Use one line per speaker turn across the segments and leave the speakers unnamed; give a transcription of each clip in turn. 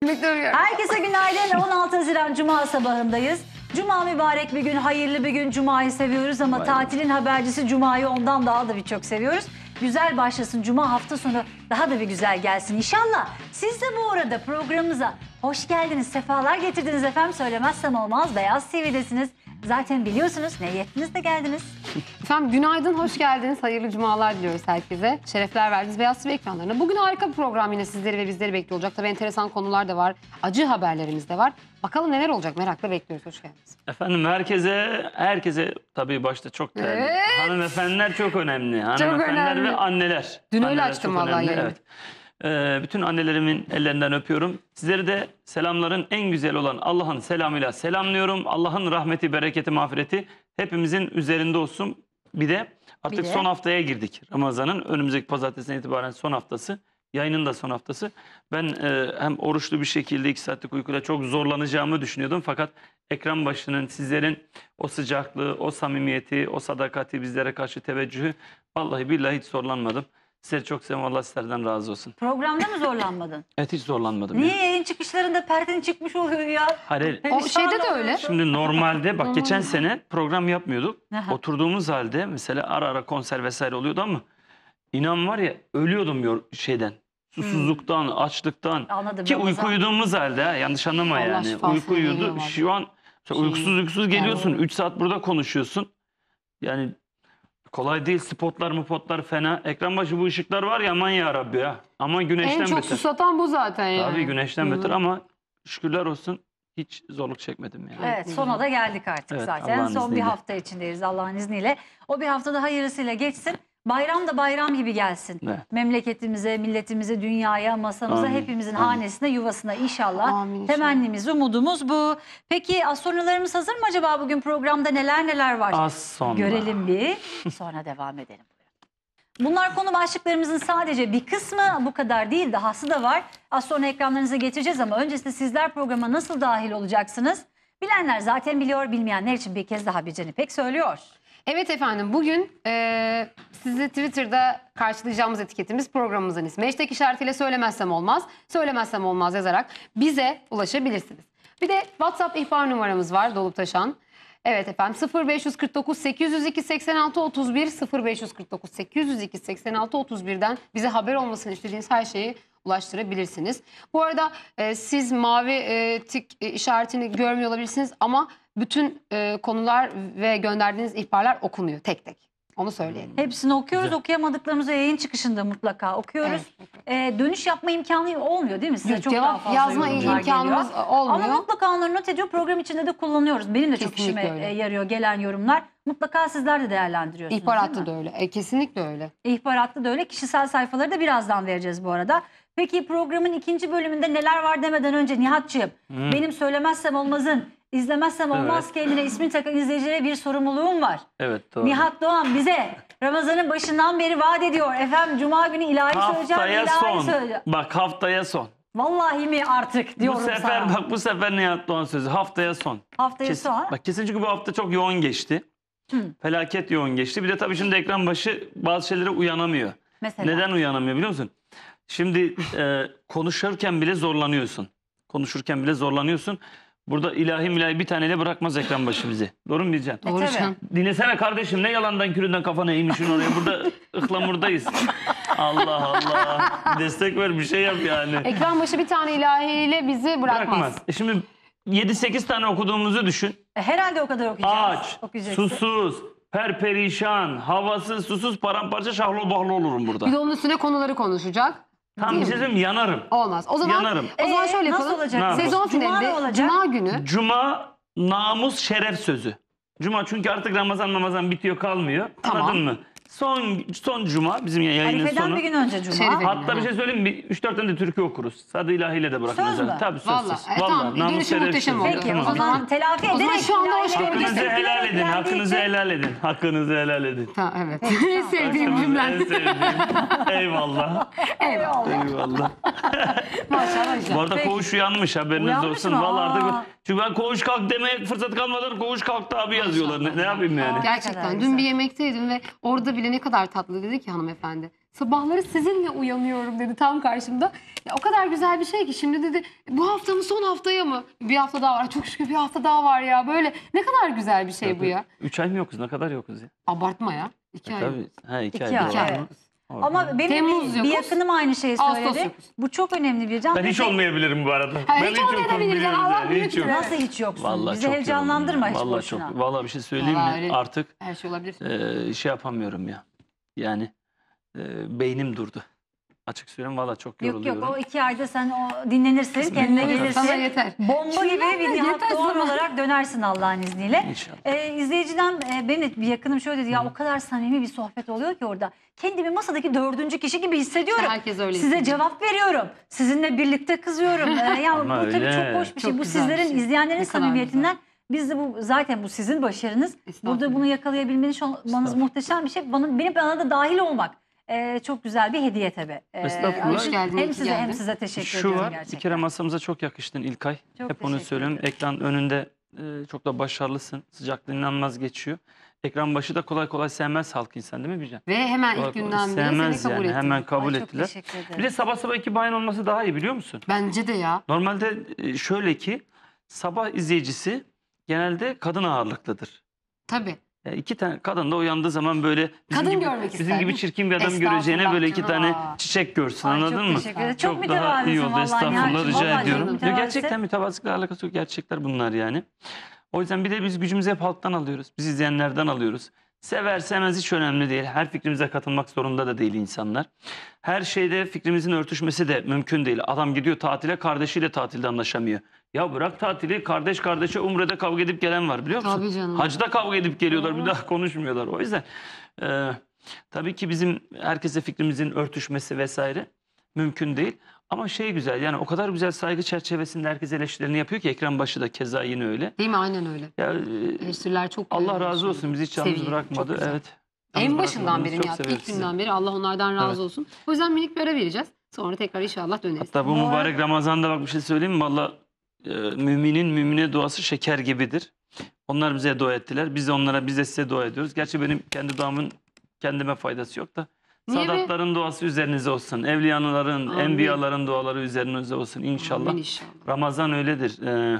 Herkese günaydın. 16 Haziran Cuma sabahındayız. Cuma mübarek bir gün, hayırlı bir gün. Cuma'yı seviyoruz ama tatilin habercisi Cuma'yı ondan daha da birçok seviyoruz. Güzel başlasın Cuma, hafta sonu daha da bir güzel gelsin inşallah. Siz de bu arada programımıza hoş geldiniz, sefalar getirdiniz efendim. Söylemezsem olmaz, Beyaz TV'desiniz. Zaten biliyorsunuz, ne yettiniz de geldiniz.
Efendim günaydın, hoş geldiniz. Hayırlı cumalar diliyoruz herkese. Şerefler verdiniz Beyaz TV ekranlarına. Bugün harika bir program, yine sizleri ve bizleri bekliyor olacak. Tabii enteresan konular da var, acı haberlerimiz de var. Bakalım neler olacak, merakla bekliyoruz. Hoş geldiniz.
Efendim herkese tabii başta çok değerli.
Evet.
Hanımefendiler çok önemli. Hanımefendiler
önemli.
ve anneler.
Dün öyle
Anneler
açtım
çok
vallahi
önemli,
yayını.
evet. Bütün annelerimin ellerinden öpüyorum. Sizleri de selamların en güzel olan Allah'ın selamıyla selamlıyorum. Allah'ın rahmeti, bereketi, mağfireti hepimizin üzerinde olsun. Bir de artık son haftaya girdik. Ramazan'ın önümüzdeki pazartesinden itibaren son haftası. Yayının da son haftası. Ben hem oruçlu bir şekilde 2 saatlik uykuyla çok zorlanacağımı düşünüyordum. Fakat ekran başının, sizlerin o sıcaklığı, o samimiyeti, o sadakati, bizlere karşı teveccühü, vallahi billahi hiç zorlanmadım. Sizleri çok seviyorum. Allah sizlerden razı olsun.
Programda mı zorlanmadın?
Evet, hiç zorlanmadım.
Niye yayın çıkışlarında perden çıkmış oluyor ya?
Hayır.
O şeyde de öyle.
Şimdi normalde bak geçen sene program yapmıyorduk.
Aha.
Oturduğumuz halde mesela ara ara konser vesaire oluyordu ama inan var ya, ölüyordum şeyden. Susuzluktan, açlıktan.
Anladım.
Ki
Ramazan.
uyku uyuduğumuz halde, yanlış anlama
Allah
yani.
şifasını
Uyku uyudu.
veriyor
Şu an uykusuz geliyorsun. 3 saat burada konuşuyorsun. Yani kolay değil. Spotlar fena. Ekran başı bu ışıklar var ya, aman ya Rabbi ya. Aman güneşten
En çok
beter.
susatan bu zaten yani.
Tabii güneşten beter ama şükürler olsun hiç zorluk çekmedim yani.
Evet, sona da geldik artık
Evet,
zaten.
Allah'ın
Son bir
izniyle.
hafta içindeyiz Allah'ın izniyle. O bir haftada hayırlısıyla geçsin. Bayram da bayram gibi gelsin.
Evet.
Memleketimize, milletimize, dünyaya, masamıza,
Amin.
hepimizin
Amin.
hanesine, yuvasına inşallah.
Amin inşallah.
Temennimiz, umudumuz bu. Peki astronolarımız hazır mı acaba bugün programda neler var?
Az sonra.
Görelim bir, sonra devam edelim. Bunlar konu başlıklarımızın sadece bir kısmı, bu kadar değil, dahası da var. Az sonra ekranlarınıza getireceğiz ama öncesinde sizler programa nasıl dahil olacaksınız? Bilenler zaten biliyor, bilmeyenler için bir kez daha Bircan İpek söylüyor.
Evet efendim, bugün sizi Twitter'da karşılayacağımız etiketimiz programımızın ismi. Hashtag işaretiyle söylemezsem olmaz, söylemezsem olmaz yazarak bize ulaşabilirsiniz. Bir de WhatsApp ihbar numaramız var, dolup taşan. Evet efendim, 0549 802 86 31 0549 802 86 31'den bize haber olmasını istediğiniz her şeyi ulaştırabilirsiniz. Bu arada siz mavi tik işaretini görmüyor olabilirsiniz ama bütün konular ve gönderdiğiniz ihbarlar okunuyor tek tek. Onu söyleyelim.
Hepsini okuyoruz,
Güzel.
okuyamadıklarımızı yayın çıkışında mutlaka okuyoruz. Dönüş yapma imkanı olmuyor değil mi? Size
Yok,
çok daha
cevap
fazla
yazma
yorumlar
imkanımız
geliyor.
olmuyor.
Ama mutlaka onları not ediyor, program içinde de kullanıyoruz. Benim de çok
Kesinlikle
işime
öyle.
yarıyor gelen yorumlar. Mutlaka sizler de değerlendiriyorsunuz.
İhbar
değil
hattı
mi?
da öyle. Kesinlikle öyle.
İhbaratlı da öyle. Kişisel sayfaları da birazdan vereceğiz bu arada. Peki programın ikinci bölümünde neler var demeden önce Nihat'cığım, benim söylemezsem olmazın, izlemezsem olmaz kendine ismini takan izleyicilere bir sorumluluğum var.
Evet, doğru.
Nihat Doğan bize Ramazan'ın başından beri vaat ediyor. Efendim Cuma günü ilahi söyleyeceğim,
Haftaya
ilahi
son.
söyleyeceğim.
Bak haftaya son.
Vallahi mi artık diyorum
Bu sefer
sana.
bak, bu sefer Nihat Doğan sözü haftaya son.
Haftaya son.
Bak kesin, çünkü bu hafta çok yoğun geçti. Felaket yoğun geçti. Bir de tabii şimdi ekran başı bazı şeylere uyanamıyor.
Mesela.
Neden uyanamıyor biliyor musun? Şimdi konuşurken bile zorlanıyorsun. Konuşurken bile zorlanıyorsun. Burada ilahi bir taneyle bırakmaz ekran başı bizi. Doğru mu Bircan?
Doğru
tabii.
Can.
Dinlesene kardeşim, ne yalandan küründen kafana eğmişsin oraya. Burada ıhlamurdayız. Allah Allah. Destek ver, bir şey yap yani.
Ekran başı bir tane ilahiyle bizi bırakmaz.
Şimdi 7-8 tane okuduğumuzu düşün.
Herhalde o kadar okuyacağız.
Aç,
Okuyacaksın.
susuz, perperişan, havasız, susuz, paramparça, şahlo bahlo olurum burada.
Bir de onun üstüne konuları konuşacak.
Tam bir şey söyleyeyim mi? Yanarım.
Olmaz. O zaman
Yanarım.
şöyle
Nasıl
yapalım.
olacak?
Ne
Sezon
Cuma ne
finalinde
olacak?
Cuma günü.
Cuma namus şeref sözü. Cuma, çünkü artık Ramazan bitiyor, kalmıyor.
Tamam.
Anladın mı? Son Cuma bizim yayının
Arife'den
sonu.
bir gün önce Cuma.
Şerife.
Hatta bir şey söyleyeyim mi? 3-4 tane de türkü okuruz. Sadı ilahiyle de bırakmaz.
Söz mü?
Tabii söz.
Vallahi.
Söz.
Tamam,
Namus
dönüşü
şeref
muhteşem
sözü.
oldu.
Peki
Tamam.
o zaman telafi
O zaman
ederek.
şu anda hoş
ilahi
gördük.
Hakkınızı
söyleyeceğiz.
helal edin.
Dileklendiği
Hakkınızı
için-
helal edin. Hakkınızı helal edin.
Ha, evet. En sevdiğim cümlen.
En sevdiğim. Eyvallah.
Eyvallah.
Eyvallah.
Maşallah.
Bu arada
Peki.
koğuş uyanmış, haberiniz
Uyanmış
olsun.
mı?
Vallahi
Aa.
artık, çünkü ben koğuş kalk demeye fırsat kalmadan koğuş kalktı abi yazıyorlar. Ne yapayım yani?
kadar
Gerçekten.
güzel.
Dün bir yemekteydim ve orada bile ne kadar tatlı dedi ki hanımefendi. Sabahları sizinle uyanıyorum dedi tam karşımda. Ya o kadar güzel bir şey ki şimdi dedi bu hafta mı son haftaya mı? Bir hafta daha var. Çok şükür bir hafta daha var ya. Böyle ne kadar güzel bir şey bu ya.
3 ay mı yokuz? Ne kadar yokuz ya?
Abartma ya. 2 ay.
Tabii. Ha, 2
İki
ay.
ay,
doğru.
evet.
Orada.
Ama benim
Temmuz
bir
yokuz,
yakınım aynı şeyi
Ağustos
söyledi.
yokuz.
Bu çok önemli bir can.
Ben hiç olmayabilirim bu arada.
Ha, hiç olmayabilir ya, Allah büyüktür.
yok.
Nasıl hiç yoksun?
Vallahi
Bizi
çok
heyecanlandırma hiç
yoruldum ya.
boşuna.
Vallahi bir şey söyleyeyim
Vallahi
mi?
öyle.
Artık
Her şey olabilir.
şey yapamıyorum ya. Yani beynim durdu. Açık söyleyeyim vallahi çok
Yok
yoruluyorum.
yok o 2 ayda sen o dinlenirsin, kendine
Dinlenirsin, sana
gelirsin.
yeter.
Bomba gibi bir
Yeter
Nihat Doğan
sana.
olarak dönersin Allah'ın izniyle.
İnşallah.
İzleyiciden benim de bir yakınım şöyle dedi ya o kadar samimi bir sohbet oluyor ki orada. Kendimi masadaki 4. kişi gibi hissediyorum.
Herkes öyle
Size
hissediyor.
cevap veriyorum. Sizinle birlikte kızıyorum. Ya bu
Ama
tabii
öyle.
çok hoş bir şey.
Çok
Bu
güzel bir
sizlerin
şey.
izleyenlerin
Ne kadar
samimiyetinden biz de bu zaten bu sizin başarınız.
Estağfurullah.
Burada bunu yakalayabilmeniz olmanız muhteşem bir şey. Bana da dahil olmak çok güzel bir hediye tabii.
Estağfurullah.
Hoş
Hoş geldin, iyi
Hem
ki
size hem
geldin.
size teşekkür
Şu
ediyorum
var,
gerçekten.
bir kere masamıza çok yakıştın İlkay.
Çok
Hep onu
teşekkür
söylüyorum.
ederim.
Ekran önünde çok da başarılısın. Sıcaklığın inanılmaz geçiyor. Ekran başı da kolay kolay sevmez halk insan değil mi Bircan?
Ve hemen
Kolay
ilk
kolay
günden beri seni
sevmez
kabul
yani.
ettim.
Hemen kabul
Ay, çok
ettiler.
teşekkür ederim.
Bir de sabah sabah iki bayan olması daha iyi biliyor musun?
Bence de ya.
Normalde şöyle ki sabah izleyicisi genelde kadın ağırlıklıdır.
Tabii.
İki tane kadın da uyandığı zaman böyle
Kadın
gibi,
görmek
bizim
ister.
gibi çirkin bir adam
Estağfurullah
göreceğine böyle iki
canım.
tane çiçek görsün
Ay,
anladın
çok
mı?
teşekkür ederim. Çok
daha iyi
mütevazısın
oldu.
vallahi
Estağfurullah
Nihat'cığım.
rica
Vallahi
ediyorum.
çok
Ya
mütevazı.
gerçekten mütevazılıkla alakası yok. Gerçekler bunlar yani. O yüzden bir de biz gücümüzü hep halktan alıyoruz. Biz izleyenlerden alıyoruz. Sever sevmez hiç önemli değil. Her fikrimize katılmak zorunda da değil insanlar. Her şeyde fikrimizin örtüşmesi de mümkün değil. Adam gidiyor tatile kardeşiyle tatilde anlaşamıyor. Ya bırak tatili kardeş kardeşe Umre'de kavga edip gelen var biliyor musun?
Tabii canım.
Hacda kavga edip geliyorlar bir daha konuşmuyorlar. O yüzden tabii ki bizim herkese fikrimizin örtüşmesi vesaire mümkün değil. Ama şey güzel yani o kadar güzel saygı çerçevesinde herkes eleştirilerini yapıyor ki ekran başı da keza yine öyle.
Değil mi? Aynen öyle.
Ya,
Eleştiriler çok
Allah
güzel.
razı olsun bizi hiç yalnız
Seviye,
bırakmadı.
çok güzel.
Evet.
En
Yalnız
başından
bırakmadınız.
beri
Çok
Nihat,
seviyoruz
ilk
sizi.
günden beri Allah onlardan razı
Evet.
olsun. O yüzden minik bir ara vereceğiz. Sonra tekrar inşallah döneriz.
Hatta bu mübarek Ramazan'da bak bir şey söyleyeyim mi? Valla müminin mümine duası şeker gibidir. Onlar bize dua ettiler. Biz de size dua ediyoruz. Gerçi benim kendi duamın kendime faydası yok da.
Niye be?
Sadatların duası üzerinize olsun. Evliyaların,
Amin.
enbiyaların duaları üzerinize olsun inşallah.
Amin inşallah.
Ramazan öyledir.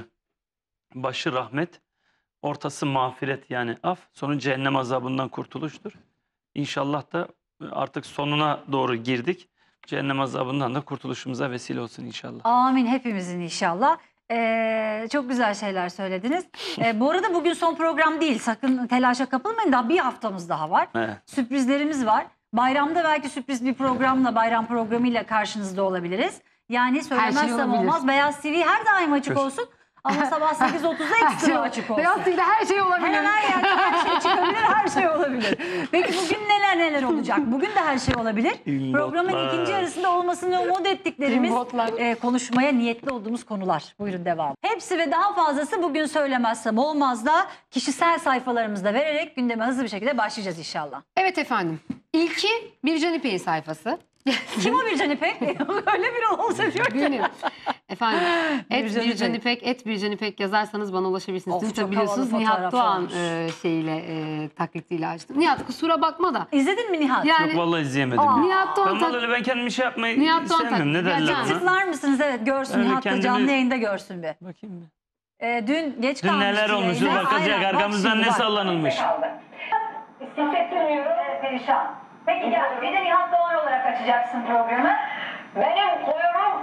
Başı rahmet, ortası mağfiret yani af, sonu cehennem azabından kurtuluştur. İnşallah da artık sonuna doğru girdik. Cehennem azabından da kurtuluşumuza vesile olsun inşallah.
Amin hepimizin inşallah. Çok güzel şeyler söylediniz. Bu arada bugün son program değil. Sakın telaşa kapılmayın. Daha bir haftamız daha var.
Evet.
Sürprizlerimiz var. Bayramda belki sürpriz bir programla, bayram programıyla karşınızda olabiliriz. Yani söylemezsem
olabilir.
olmaz. Beyaz TV her daim açık
Çok-
olsun. Ama sabah 8.30'da ekstra açık olsun.
Beyaz TV'de her şey olabilir.
Her yerde her şey çıkabilir, her şey olabilir. Peki bugün neler olacak? Bugün de her şey olabilir.
İmbotlar.
Programın ikinci yarısında olmasını umut ettiklerimiz,
İmbotlar.
konuşmaya niyetli olduğumuz konular. Buyurun devam. Hepsi ve daha fazlası bugün söylemezsem olmaz da kişisel sayfalarımızda vererek gündeme hızlı bir şekilde başlayacağız inşallah.
Evet efendim. İlki Bircan İpek'in sayfası.
Kim o Bircan İpek? Öyle biri olsa diyor ki.
Benim. Efendim
Bircan
Bircan
İpek.
İpek, Bircan İpek yazarsanız bana ulaşabilirsiniz.
Of,
Twitter
çok
biliyorsunuz
havalı
Nihat
fotoğrafı
Doğan
olmuş.
taklitiyle açtım. Nihat kusura bakma da.
İzledin mi Nihat?
Yani
Yok vallahi izleyemedim.
Aa.
ya.
Nihat Doğan
Ben vallahi ben kendimi şey yapmayı
Nihat Doğan
sevmiyorum. Ne
taklidi.
derler
Yani
ona?
Tıklar mısınız? Evet görsün
Öyle
Nihat da
kendimi-
canlı yayında görsün bir.
Bakayım bir.
Dün geç
Dün
kalmıştı
neler olmuş dur
yayına.
bakacak
Aynen, bak
arkamızdan
şimdi
ne
bak.
sallanılmış.
Hissettirmiyorum. Perişan. Peki gel bir de Nihat Doğan olarak açacaksın programı. Benim koyurum.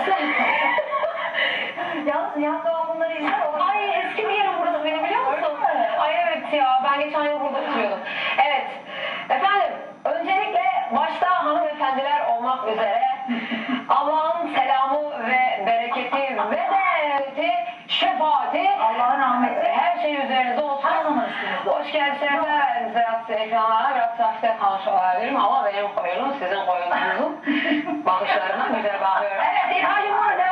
Yalnız Nihat Doğan bunları izler. Ay eski bir yerim burası benim biliyor musun? Ay evet ya ben geçen yıl burada oturuyordum. Evet. Efendim öncelikle başta hanımefendiler olmak üzere Allah'ın selamı ve bereketi ve de şefaati Allah'ın rahmeti her şey üzerinize olsun. Her zaman üstünüzde. Hoş geldiniz efendim. Biraz ekranlara biraz trafikte kalmış olabilirim ama benim koyunum sizin koyununuzun bakışlarına güzel bakıyorum. Evet İlhan'cığım burada.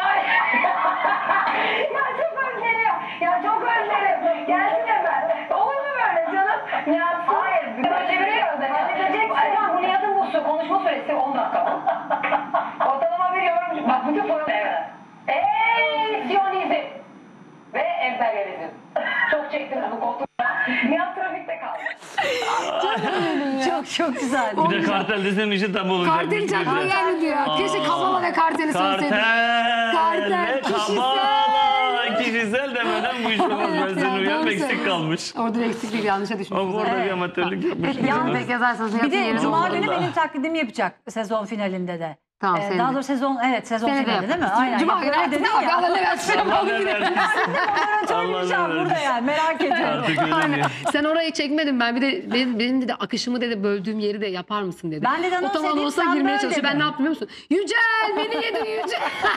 Ya çok özlerim. Ya çok özlerim. Gelsin hemen. Olur mu böyle canım? Nihat hayır. Böyle çeviriyoruz da. Halledeceksin. Efendim bu Nihat'ın bu konuşma süresi 10 dakika. Ortalama bir yorum. Bak bütün program. Evet. Siyonizm ve emperyalizm. Çok çektiniz bu koltukta. Nihat trafikte kaldı.
Çok çok güzel.
Bir de kartel desem işi tam olacak.
Kartel çakma geldi diyor. Keşke Kavala ve Kartel'i söyleseydim.
Kartel ve
kişisel.
Kabala. Kişisel demeden bu iş olmaz. Ben
Evet,
senin
ya,
uyarım
doğru
eksik
söylüyorsun.
kalmış.
Orada bir eksiklik yanlışa düşmüşüz.
Ama orada
Evet.
bir amatörlük yapmış.
Yani
Peki yazarsanız
Bir
Nihat'ın
de
yerine
Cuma
olmalı.
günü
Allah.
benim taklidimi yapacak sezon finalinde de.
Tamam,
Daha
senin de.
doğrusu sezon
Seni de
finali değil mi?
yaparız.
Aynen.
Cuma
Ya,
günü
öyle
artık
dedin
ne var?
ya.
Allah ne versin.
Allah ne versin.
Söyleyeceğim
Allah
burada yani merak ediyorum.
Artık öyle
Aynen.
diyor.
Sen orayı çekmedin ben bir de benim de akışımı dedi böldüğüm yeri de yapar mısın dedi.
Ben de anons
o tam
edeyim,
anonsa
sen
girmeye
böl
çalışıyor. Ben
dedim.
ne yaptım biliyor musun? Yücel beni yedin Yücel.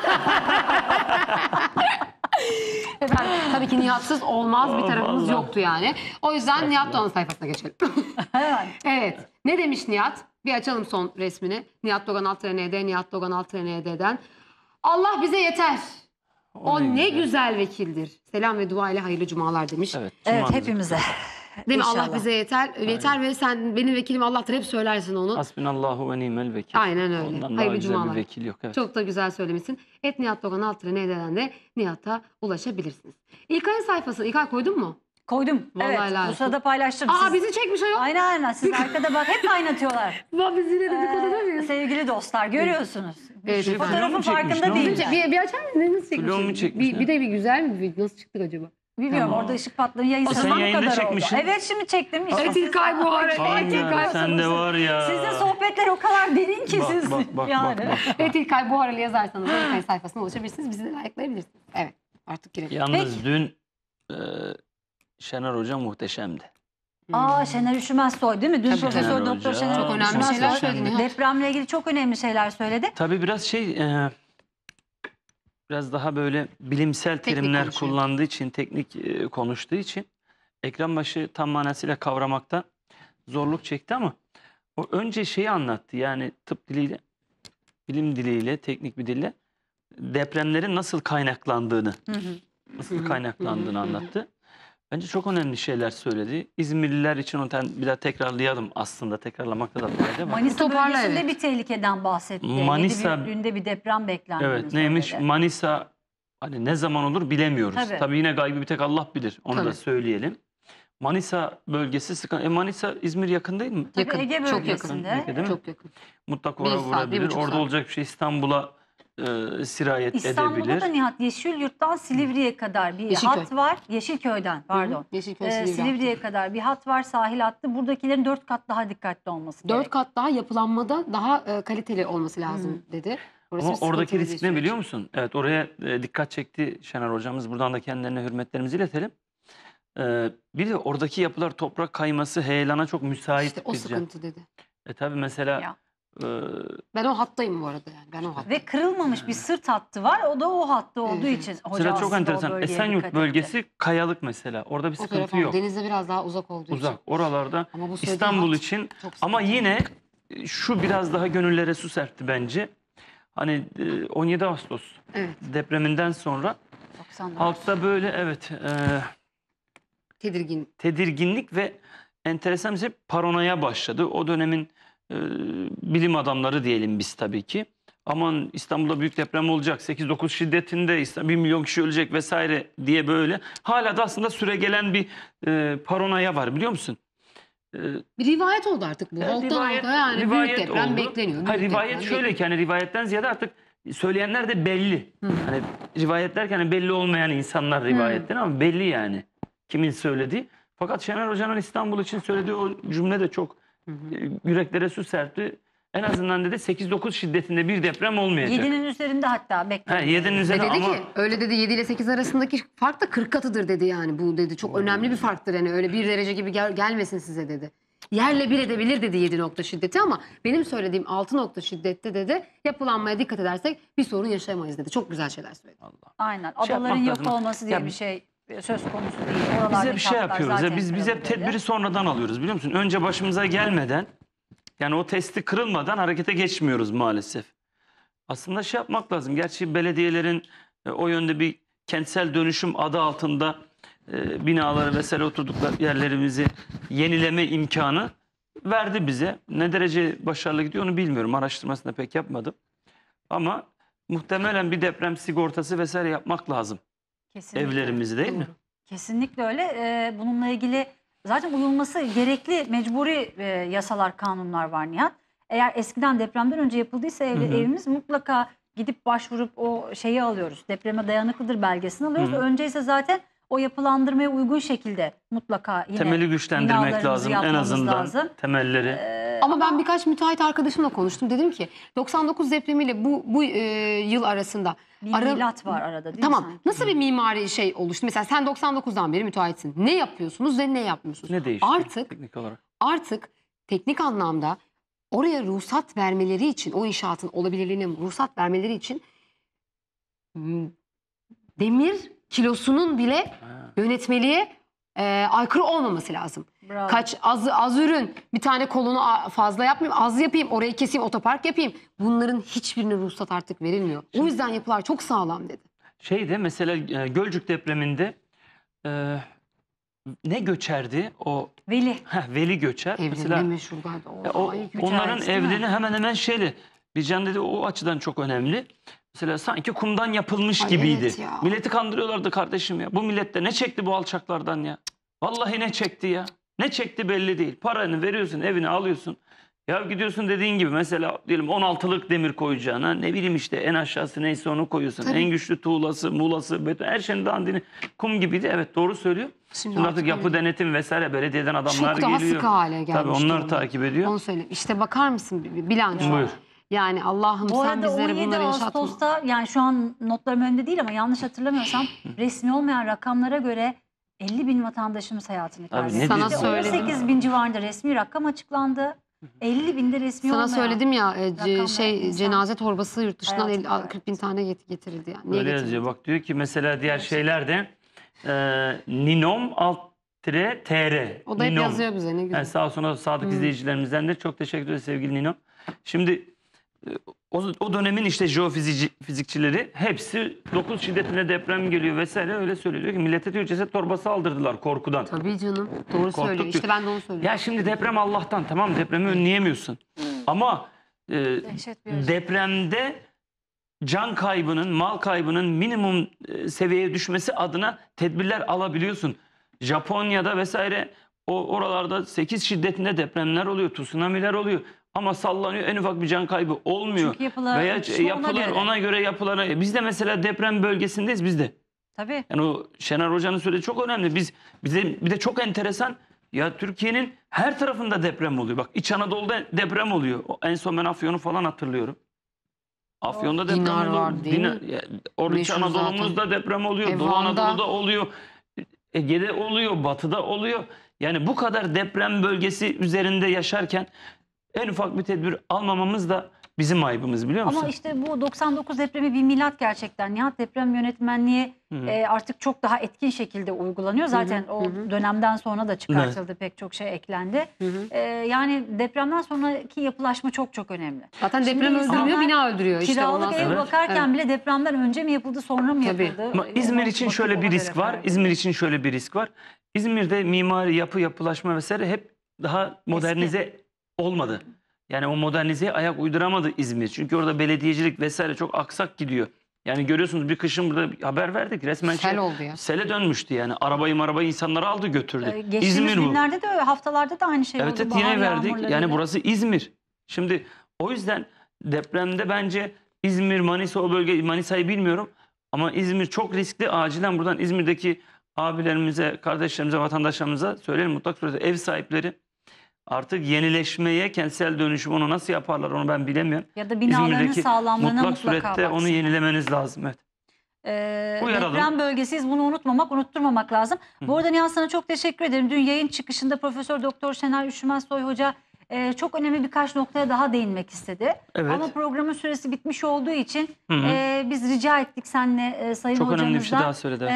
Efendim tabii ki Nihat'sız olmaz bir
Oh,
tarafımız
vallahi.
yoktu yani. O yüzden Nihat Doğan sayfasına geçelim.
Hemen.
Evet. Ne demiş Nihat? Bir açalım son resmini. Nihat Doğan Alt-ND, Nihat Doğan Alt-ND'den. Allah bize yeter. O ne güzel vekildir. Selam ve dua ile hayırlı cumalar demiş.
Evet,
Evet
cumanız
hepimize.
Değil mi? Allah
İnşallah.
bize yeter. Yeter ve sen benim vekilim Allah'tır. Hep söylersin onu.
Hasbinallahu ve ni'mel vekil.
Aynen öyle.
Ondan daha
Hayırlı
güzel
cumalar.
bir vekil yok. Evet.
Çok da güzel söylemişsin. Nihat Doğan Alt-ND'den de Nihat'a ulaşabilirsiniz. İlkay'ın sayfasını İlkay koydun mu?
Koydum.
Vallahi
Evet.
helal
Bu
olsun.
sırada paylaştım.
Aa
Siz-
bizi çekmiş o yok.
Aynen aynen. Siz arkada bak hep kaynatıyorlar.
Biz yine dedikoduda mıyız?
Sevgili dostlar görüyorsunuz.
Evet, efendim.
Fotoğrafın
Vlog mu çekmiş,
farkında
ne olmuş?
değil.
Bir açar mısın? Nasıl çekmiş?
Vlog mu çekmiş,
Bir de bir güzel mi bir video? Nasıl çıktık acaba?
Bilmiyorum
Tamam.
orada ışık patladı. Yayın
Sen
sırasında bu
yayında
kadar
çekmişsin.
oldu. Evet şimdi çektim. İşte
Evet
siz-
İlkay bu arada.
Aynen,
İlkay
sen de var ya.
Sizin sohbetler o kadar derin ki
Bak,
siz.
bak,
yani.
bak.
Evet İlkay Buhara'lı yazarsanız İlkay sayfasına ulaşabilirsiniz. Bizi de likelayabilirsiniz. Evet artık girelim.
Yalnız
Peki.
dün Şener Hoca muhteşemdi.
Aa Şener Üşümezsoy değil mi? Dün
Tabii,
Profesör
Şener
Doktor
Hoca.
Şener
Çok önemli
Üşümezsoy
şeyler söyledi Nihat.
depremle ilgili çok önemli şeyler söyledi.
Tabii biraz biraz daha böyle bilimsel
Teknik
terimler
konuşuyor.
kullandığı için, teknik konuştuğu için ekran başı tam manasıyla kavramakta zorluk çekti ama o önce şeyi anlattı. Yani tıp diliyle, bilim diliyle, teknik bir dille depremlerin nasıl kaynaklandığını, anlattı. Bence çok önemli şeyler söyledi. İzmirliler için onu bir daha tekrarlayalım aslında. Tekrarlamakta da fayda var.
Manisa
Toparla,
bölgesinde
evet.
bir tehlikeden bahsetti.
Manisa-
7 büyüklüğünde bir deprem beklendiğini
Evet neymiş?
söyledi.
Manisa hani ne zaman olur bilemiyoruz.
Tabii.
Tabii yine gaybı bir tek Allah bilir. Onu
Tabii.
da söyleyelim. Manisa bölgesi sıkıntı. Manisa İzmir yakın değil mi?
Tabii
Yakın,
Ege
çok
bölgesinde.
yakın. Değil mi?
Çok yakın.
Mutlaka
Bir
oraya
saat,
vurabilir.
1,5
Orada
saat.
olacak bir şey İstanbul'a sirayet
İstanbul'da
edebilir.
da Nihat Yeşilyurt'tan Silivri'ye kadar bir
Yeşilköy.
hat var. Yeşilköy'den pardon.
Yeşilköy Silivri.
Silivri'ye kadar bir hat var sahil hattı. Buradakilerin 4 kat daha dikkatli olması
4
gerek.
kat daha yapılanmada daha kaliteli olması lazım dedi. Orası
Ama
bir
oradaki
sıkıntılı bir
risk ne
süreç.
biliyor musun? Evet oraya dikkat çekti Şener hocamız. Buradan da kendilerine hürmetlerimizi iletelim. Bir de oradaki yapılar toprak kayması, heyelana çok müsait
İşte o
bir yer.
sıkıntı dedi.
Tabii mesela
Ya.
Ben o hattayım bu arada yani. Ben o hattayım.
Ve kırılmamış bir sırt hattı var. O da o hatta olduğu
Evet.
için. Hoca
sıra çok
aslında o
enteresan.
bölgeye dikkat
Esenyurt
etti.
bölgesi kayalık mesela. Orada bir
O
sıkıntı
taraf
yok.
denize biraz daha uzak olduğu
Uzak.
için.
Oralarda
Ama bu söylediği
İstanbul
hat
için
çok
ama
sıkıntı.
yine şu biraz daha gönüllere su serpti bence. Hani 17 Ağustos
Evet.
depreminden sonra
94.
halkta böyle evet
Tedirgin.
tedirginlik ve enteresan bir şey paranoya başladı. O dönemin bilim adamları diyelim biz tabii ki. Aman İstanbul'da büyük deprem olacak. 8-9 şiddetinde 1 milyon kişi ölecek vesaire diye böyle. Hala da aslında süregelen bir paranoya var biliyor musun?
Bir rivayet oldu artık bu. Halktan halka yani büyük deprem
oldu.
bekleniyor.
Hayır,
büyük
rivayet
deprem
şöyle ki hani rivayetten ziyade artık söyleyenler de belli. Hani rivayet derken hani belli olmayan insanlar rivayetten ama belli yani kimin söylediği. Fakat Şener Hoca'nın İstanbul için söylediği o cümle de çok yüreklere su serpti. En azından dedi 8-9 şiddetinde bir deprem olmayacak.
7'nin üzerinde hatta bekleniyor.
7'nin
Ve
üzerinde
dedi
ama
ki öyle dedi 7 ile 8 arasındaki fark da 40 katıdır dedi yani bu dedi. Çok önemli bir farktır yani öyle 1 derece gibi gelmesin size dedi. Yerle bir edebilir dedi 7 nokta şiddeti ama benim söylediğim 6 nokta şiddette dedi yapılanmaya dikkat edersek bir sorun yaşayamayız dedi. Çok güzel şeyler söyledi.
Allah.
Aynen.
Şey
Adaların
yapmak
yok
lazım.
olması diye
Ya-
bir şey söz konusu değil.
Biz
Oralardaki
hep şey
hatlar
yapıyoruz. Ya,
zaten
biz hep
kırıldı
tedbiri sonradan alıyoruz biliyor musun? Önce başımıza gelmeden yani o testi kırılmadan harekete geçmiyoruz maalesef. Aslında şey yapmak lazım. Gerçi belediyelerin o yönde bir kentsel dönüşüm adı altında binaları vesaire oturdukları yerlerimizi yenileme imkanı verdi bize. Ne derece başarılı gidiyor onu bilmiyorum. Araştırmasını da pek yapmadım. Ama muhtemelen bir deprem sigortası vesaire yapmak lazım.
Kesinlikle.
Evlerimizi değil mi?
Kesinlikle öyle. Bununla ilgili zaten uyulması gerekli mecburi yasalar, kanunlar var Nihat. Eğer eskiden depremden önce yapıldıysa evimiz mutlaka gidip başvurup o şeyi alıyoruz. Depreme dayanıklıdır belgesini alıyoruz. Önce ise zaten o yapılandırmaya uygun şekilde mutlaka yine
Temeli güçlendirmek
binalarımızı
lazım en
yapmamız
azından
lazım.
temelleri.
Ama ben birkaç müteahhit arkadaşımla konuştum. Dedim ki 99 depremiyle bu yıl arasında
Bir milat var arada değil mi
tamam.
sanki?
Nasıl bir mimari şey oluştu? Mesela sen 99'dan beri müteahhitsin. Ne yapıyorsunuz ve ne yapmıyorsunuz?
Ne değişti teknik olarak?
Artık teknik anlamda oraya ruhsat vermeleri için, o inşaatın olabilirliğine ruhsat vermeleri için demir kilosunun bile yönetmeliğe aykırı olmaması lazım.
Bravo.
Az ürün, bir tane kolonu fazla yapmayayım, az yapayım, orayı keseyim, otopark yapayım. Bunların hiçbirine ruhsat artık verilmiyor. O yüzden yapılar çok sağlam dedi.
Şeyde mesela Gölcük depreminde ne göçerdi o?
Veli.
Veli göçer.
Evlerinde meşhur galiba.
Onların
değil mi?
evlerini hemen hemen şeyle. Bircan dedi o açıdan çok önemli. Mesela sanki kumdan yapılmış gibiydi.
evet ya.
Milleti kandırıyorlardı kardeşim ya. Bu millette ne çekti bu alçaklardan ya? Vallahi ne çekti ya? Ne çekti belli değil. Paranı veriyorsun, evini alıyorsun. Ya gidiyorsun dediğin gibi mesela diyelim 16'lık demir koyacağına ne bileyim işte en aşağısı neyse onu koyuyorsun.
Tabii.
En güçlü tuğlası, muğlası, beton her şeyin dandini kum gibiydi. Evet doğru söylüyor. Şimdi artık yapı denetim vesaire belediyeden adamlar
çok daha
geliyor.
sıkı hale gelmiş.
Tabii onlar
durumda.
takip ediyor.
Onu söyleyeyim. İşte bakar mısın bilanço?
Buyur.
Yani Allah'ım
Bu
sen
arada
bizlere
17
bunları yaşatma.
Ağustos'ta yani şu an notlarım önünde değil ama yanlış hatırlamıyorsam resmi olmayan rakamlara göre 50 bin vatandaşımız hayatını
Abi ne
kaybetti.
Sana
diyorsun?
söyledim.
18 bin civarında resmi rakam açıklandı. 50 binde resmi
Sana
olmayan.
söyledim ya
rakamlar insan
cenaze torbası yurt dışından
hayatını
40 bin tane getirildi. Yani. Niye
Öyle
getirildi?
yazıyor. Bak diyor ki mesela diğer şeylerde Ninom -tr.
O da hep
Ninom.
yazıyor bize ne güzel.
Yani sağ olsun sadık izleyicilerimizden de çok teşekkür ederiz sevgili Ninom. Şimdi o dönemin işte jeofizikçileri hepsi 9 şiddetine deprem geliyor vesaire öyle söylüyor. Diyor ki millete diyor ceset torbası aldırdılar korkudan.
Tabii canım. Doğru söylüyor.
diyor.
İşte ben de onu söylüyorum.
Ya şimdi deprem Allah'tan tamam depremi önleyemiyorsun. Ama
Dehşet bir acı.
depremde can kaybının, mal kaybının minimum seviyeye düşmesi adına tedbirler alabiliyorsun. Japonya'da vesaire oralarda 8 şiddetinde depremler oluyor, tsunamiler oluyor. Ama sallanıyor en ufak bir can kaybı olmuyor.
Çünkü yapılar,
Veya
yetişme ona
yapılar
göre.
ona göre yapılar. Biz de mesela deprem bölgesindeyiz biz de.
Tabii.
Yani o Şener Hoca'nın söylediği çok önemli. Bize bir de çok enteresan. Ya Türkiye'nin her tarafında deprem oluyor. Bak İç Anadolu'da deprem oluyor. En son ben Afyon'u falan hatırlıyorum. Afyon'da deprem
Dinar
oluyor.
var değil mi?
Orada İç
Meşhur
Anadolu'muzda deprem oluyor. Doğu
Van'da.
Anadolu'da oluyor. Ege'de oluyor. Batı'da oluyor. Yani bu kadar deprem bölgesi üzerinde yaşarken en ufak bir tedbir almamamız da bizim ayıbımız biliyor musun?
Ama işte bu 99 depremi bir milat gerçekten. Nihat deprem yönetmenliği artık çok daha etkin şekilde uygulanıyor. Zaten o dönemden sonra da çıkartıldı pek çok şey eklendi. Yani depremden sonraki yapılaşma çok çok önemli.
Zaten
Şimdi
deprem
insanlar
öldürmüyor, bina öldürüyor. İşte
Kiralık
ondan
ev
sonra.
bakarken bile depremden önce mi yapıldı sonra mı
Tabii.
yapıldı?
Ama İzmir
Ona
için
bakıp
şöyle bir
ona
risk
göre
var.
karar
İzmir için şöyle bir risk var. İzmir'de mimari yapılaşma vesaire hep daha modernize olmadı. Yani o modernizeye ayak uyduramadı İzmir. Çünkü orada belediyecilik vesaire çok aksak gidiyor. Yani görüyorsunuz bir kışın burada bir haber verdik. Resmen
Sel oldu ya.
Sele dönmüştü yani. Arabayı insanları aldı götürdü.
Geçtiğimiz
İzmir bu.
günlerde de haftalarda da aynı şey
Evet,
oldu.
evet
Bahar
yine verdik.
yağmurlarıyla.
Yani burası İzmir. Şimdi o yüzden depremde bence İzmir, Manisa o bölge, Manisa'yı bilmiyorum. Ama İzmir çok riskli. Acilen buradan İzmir'deki abilerimize, kardeşlerimize, vatandaşlarımıza söyleyelim mutlak surette ev sahipleri artık yenileşmeye, kentsel dönüşüm onu nasıl yaparlar onu ben bilemiyorum.
Ya da binaların
İzmir'deki
sağlamlığına
mutlak
mutlaka
surette onu
baksın.
yenilemeniz lazım. Evet. Uyaralım.
Deprem bölgesiyiz, bunu unutturmamak lazım. Bu arada Nihat sana çok teşekkür ederim. Dün yayın çıkışında Profesör Doktor Şener Üşümezsoy Hoca çok önemli birkaç noktaya daha değinmek istedi.
Evet.
Ama programın süresi bitmiş olduğu için
Hı hı.
biz rica ettik seninle Sayın
Çok
Hocamızdan.
önemli bir şey daha söyledi.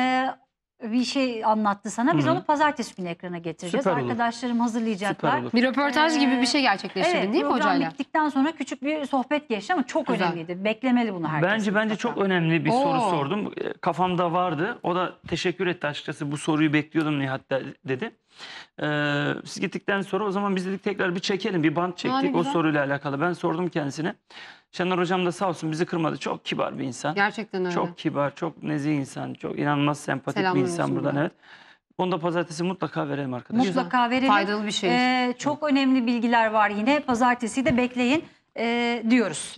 Bir şey anlattı sana. Biz
Hı hı.
onu pazartesi günü ekrana getireceğiz.
Süper olur.
Arkadaşlarım hazırlayacaklar.
Süper olur.
Bir röportaj gibi bir şey gerçekleştirdin
Evet,
değil mi
program
hocayla?
bittikten sonra küçük bir sohbet geçti ama çok
Güzel.
önemliydi. Beklemeli bunu herkes.
Bence
mutlaka.
çok önemli bir soru
Oo.
sordum. Kafamda vardı. O da teşekkür etti açıkçası. Bu soruyu bekliyordum Nihat dedi. Siz gittikten sonra o zaman biz dedik tekrar bir çekelim. Bir bant çektik
Yani
o
güzel.
soruyla alakalı. Ben sordum kendisine. Şener Hocam da sağ olsun bizi kırmadı. Çok kibar bir insan.
Gerçekten öyle.
Çok kibar, çok nezih insan. Çok inanılmaz sempatik bir
Selamlar
insan
olsun
buradan
buradan.
evet. Onu da pazartesi mutlaka verelim arkadaşlar.
Mutlaka verelim.
Faydalı bir şey.
Çok önemli bilgiler var yine. Pazartesi de bekleyin diyoruz.